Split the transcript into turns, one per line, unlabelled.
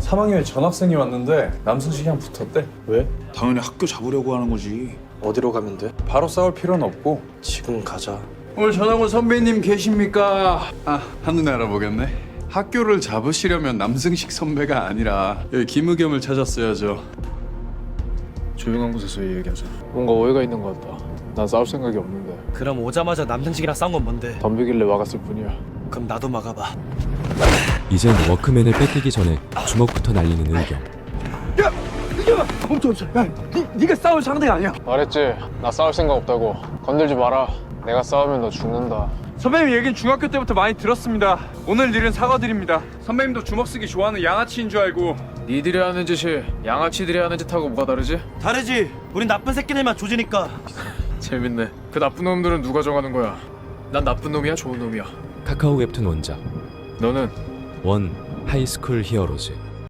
3학년에 전학생이 왔는데 남순식이랑 붙었대.
왜?
당연히 학교 잡으려고 하는 거지.
어디로 가면 돼?
바로 싸울 필요는 없고.
지금 가자.
오늘 전학 온 선배님 계십니까? 아, 한눈에 알아보겠네. 학교를 잡으시려면 남승식 선배가 아니라 여기 김의겸을 찾았어야죠.
조용한 곳에서 얘기하자. 뭔가 오해가 있는 것 같다. 난 싸울 생각이 없는데.
그럼 오자마자 남승식이랑 싸운 건 뭔데?
덤비길래 막았을 뿐이야.
그럼 나도 막아봐.
이젠 워크맨을 뺏기기 전에 주먹부터 날리는 의경.
네가 싸울 상대가 아니야.
말했지. 나 싸울 생각 없다고. 건들지 마라. 내가 싸우면 너 죽는다.
선배님 얘기는 중학교 때부터 많이 들었습니다. 오늘 일은 사과드립니다. 선배님도 주먹 쓰기 좋아하는 양아치인 줄 알고.
니들이 하는 짓이 양아치들이 하는 짓하고 뭐가 다르지?
다르지. 우린 나쁜 새끼들만 조지니까.
재밌네. 그 나쁜 놈들은 누가 정하는 거야? 난 나쁜 놈이야, 좋은 놈이야?
카카오 웹툰 원작
너는?
원 하이스쿨 히어로즈.